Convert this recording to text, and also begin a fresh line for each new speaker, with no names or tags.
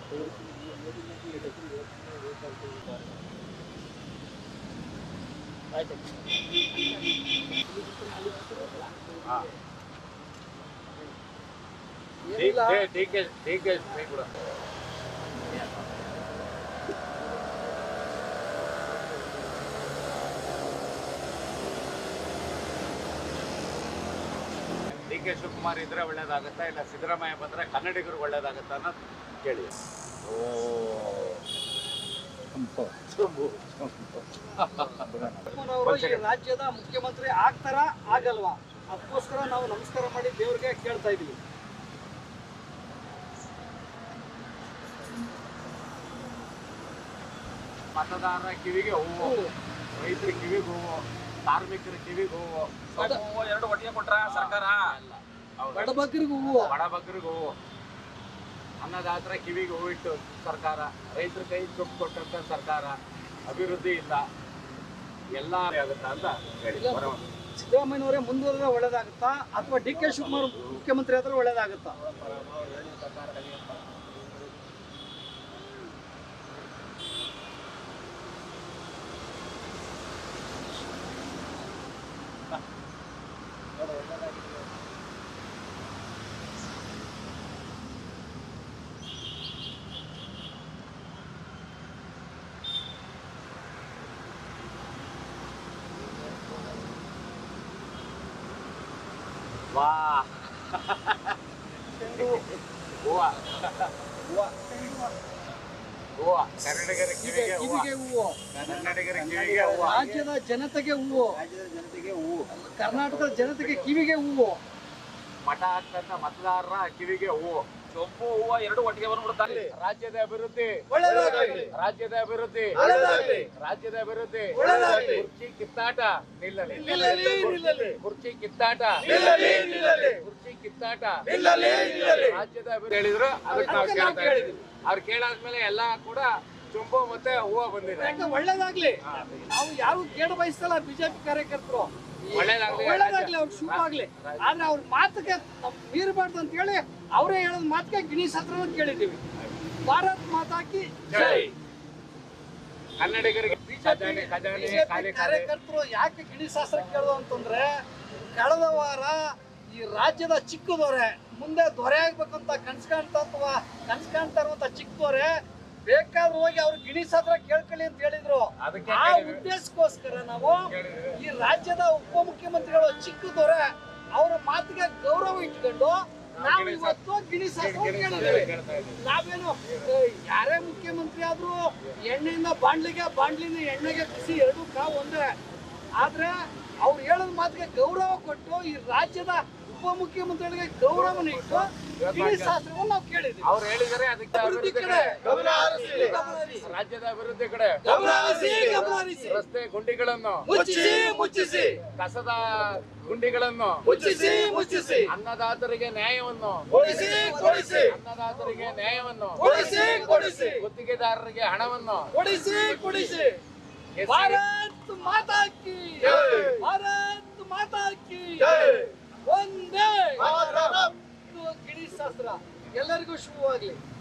हाँ ठीक है ठीक है ठीक है ಕೂಡ ಡಿ ಕೆ ಶಿವಕುಮಾರ್ ಇದ್ರೆ ಒಳ್ಳೇದಾಗುತ್ತಾ ಇಲ್ಲ ಸಿದ್ದರಾಮಯ್ಯ ಬಂದ್ರೆ ಕನ್ನಡಿಗರು ಒಳ್ಳೇದಾಗುತ್ತಾ ಅನ್ನೋದು ಕೇಳಿ.
ರಾಜ್ಯದ ಮುಖ್ಯಮಂತ್ರಿ ಆಗ್ತಾರಾ ಆಗಲ್ವಾ? ಅದಕ್ಕೋಸ್ಕರ ನಾವು ನಮಸ್ಕಾರ ಮಾಡಿ ದೇವ್ರಿಗೆ ಕೇಳ್ತಾ ಇದೀವಿ.
ಮತದಾರರ ಕಿವಿಗೆ ಹೂವು, ರೈತರ ಕಿವಿಗೆ ಹೂವು, ಕಾರ್ಮಿಕರ ಕಿವಿಗೆ ಹೂವು, ಎರಡು ಒಟ್ಟಿಗೆ ಕೊಟ್ರ ಸರ್ಕಾರ.
ಬಡಬಗ್ಗರಿಗೂ ಹೂವು,
ಬಡಬಗ್ಗರಿಗೂ ಹೂವು, ಅನ್ನದಾತರ ಕಿವಿಗೆ ಹೂವು ಇಟ್ಟು ಸರ್ಕಾರ, ರೈತರ ಕೈ ದುಡ್ಡು ಕೊಟ್ಟಂತ ಸರ್ಕಾರ, ಅಭಿವೃದ್ಧಿ ಇಲ್ಲ, ಎಲ್ಲ ಆಗುತ್ತಾ ಅಂತ ಹೇಳಿ.
ಸಿದ್ದರಾಮಯ್ಯನವರೇ ಮುಂದುವರೆದ್ರೆ ಒಳ್ಳೇದಾಗುತ್ತಾ ಅಥವಾ ಡಿ ಕೆ ಶಿವಕುಮಾರ್ ಮುಖ್ಯಮಂತ್ರಿ ಆದ್ರೆ ಒಳ್ಳೇದಾಗುತ್ತಾ?
ವಾ ಹೂವ ಹೂವ, ಕನ್ನಡಿಗರ ಕಿವಿಗೆ
ಹೂವು,
ಕನ್ನಡಿಗರ ಕಿವಿಗೆ ಹೂವ,
ರಾಜ್ಯದ ಜನತೆಗೆ ಹೂವು, ಕರ್ನಾಟಕದ ಜನತೆಗೆ ಕಿವಿಗೆ ಹೂವು,
ಮಠ ಹಾಕ್ತಂತ ಮತದಾರರ ಕಿವಿಗೆ ಹೂವು, ಚೊಂಬು ಹೂವ ಎರಡು ಒಟ್ಟಿಗೆ ಬಂದ್ಬಿಡ್ತಾರೆ. ರಾಜ್ಯದ ಅಭಿವೃದ್ಧಿ, ರಾಜ್ಯದ ಅಭಿವೃದ್ಧಿ, ರಾಜ್ಯದ ಅಭಿವೃದ್ಧಿ. ಕುರ್ಚಿ ಕಿತ್ತಾಟ ನಿಲ್ಲಲಿ, ಕುರ್ಚಿ ಕಿತ್ತಾಟ, ಕುರ್ಚಿ ಕಿತ್ತಾಟ, ರಾಜ್ಯದ ಅಭಿವೃದ್ಧಿ ಹೇಳಿದ್ರು. ಅದಕ್ಕೆ ನಾವು ಕೇಳ್ತಾ ಇದ್ದೀವಿ. ಅವ್ರು ಕೇಳಾದ್ಮೇಲೆ ಎಲ್ಲ ಕೂಡ ಚೊಂಬು ಮತ್ತೆ ಹೂವ ಬಂದಿದೆ.
ಒಳ್ಳೇದಾಗ್ಲಿ. ನಾವು ಯಾರು ಕೇಳ ಬಯಸ್ತಲ್ಲ ಬಿಜೆಪಿ ಕಾರ್ಯಕರ್ತರು, ಒಳ್ಳೇದಾಗ್ಲಿ, ಅವ್ರು ಶುಭ ಆಗ್ಲಿ. ಆದ್ರೆ ಅವ್ರ ಮಾತಿಗೆ ಮೀರಬಾರ್ದು ಅಂತ ಹೇಳಿ ಅವರೇ ಹೇಳೋದ್ ಮಾತಿಗೆ ಗಿಣೀಶ್ ಹತ್ರ ಕೇಳಿದ್ದೀವಿ. ಭಾರತ್ ಮಾತಾಕಿ ಜೈ.
ಕನ್ನಡಿಗರಿಗೆ
ಕಾರ್ಯಕರ್ತರು ಯಾಕೆ ಗಿಣೀಶ್ ಶಾಸ್ತ್ರ ಕೇಳೋದು ಅಂತಂದ್ರೆ, ಕಳೆದ ವಾರ ಈ ರಾಜ್ಯದ ಚಿಕ್ಕ ದೊರೆ ಮುಂದೆ ದೊರೆ ಆಗ್ಬೇಕಂತ ಕನ್ಸ್ ಕಾಣ್ತಾ ಇರುವಂತ ಚಿಕ್ಕ ದೊರೆ ಬೇಕಾದ್ರೂ ಹೋಗಿ ಅವ್ರು ಗಿಣೀಶ್ ಹತ್ರ ಕೇಳ್ಕೊಳ್ಳಿ ಅಂತ ಹೇಳಿದ್ರು. ಆ ಉದ್ದೇಶಕ್ಕೋಸ್ಕರ ನಾವು ಈ ರಾಜ್ಯದ ಉಪಮುಖ್ಯಮಂತ್ರಿಗಳು ಚಿಕ್ಕ ದೊರೆ ಅವರ ಮಾತಿಗೆ ಗೌರವ ಇಟ್ಕೊಂಡು ನಾವು ಇವತ್ತು ಗಿಣೀಶ್ ಶಾಸ್ತ್ರ ಕೇಳಿದ್ದೇವೆ. ನಾವೇನು ಯಾರೇ ಮುಖ್ಯಮಂತ್ರಿ ಆದ್ರೂ ಎಣ್ಣೆಯಿಂದ ಬಾಂಡ್ಲಿಗೆ, ಬಾಂಡ್ಲಿಂದ ಎಣ್ಣೆಗೆ ಬಿಸಿ ಎರಡೂ ಕಾವು ಒಂದೇ. ಆದ್ರೆ ಅವ್ರು ಹೇಳೋದ್ ಮಾತಿಗೆ ಗೌರವ ಕೊಟ್ಟು ಈ ರಾಜ್ಯದ ಉಪಮುಖ್ಯಮಂತ್ರಿಗಳಿಗೆ ಗೌರವನ ಇಟ್ಟು ಗಿಣೀಶ್ ಶಾಸ್ತ್ರವನ್ನು ನಾವು ಕೇಳಿದ್ವಿ.
ಅವ್ರು ಹೇಳಿದರೆ ಅದಕ್ಕೆ ಅಭಿವೃದ್ಧಿ ಕಡೆ, ರಾಜ್ಯದ ಅಭಿವೃದ್ಧಿ ಕಡೆ ರಸ್ತೆ ಗುಂಡಿಗಳನ್ನು
ಮುಚ್ಚಿಸಿ,
ಕಸದ ಗುಂಡಿಗಳನ್ನು
ಮುಚ್ಚಿಸಿ,
ಅನ್ನದಾತರಿಗೆ ನ್ಯಾಯವನ್ನು
ಕೊಡಿಸಿ,
ಅನ್ನದಾತರಿಗೆ ನ್ಯಾಯವನ್ನು
ಕೊಡಿಸಿ,
ಗುತ್ತಿಗೆದಾರರಿಗೆ ಹಣವನ್ನು
ಕೊಡಿಸಿ. ಭಾರತ್ ಮಾತಾ ಕಿ, ಭಾರತ್ ಮಾತಾ ಕಿ ಒಂದೇ. ಗಿಣೀಶ್ ಶಾಸ್ತ್ರ ಎಲ್ಲರಿಗೂ ಶುಭವಾಗ್ಲಿ.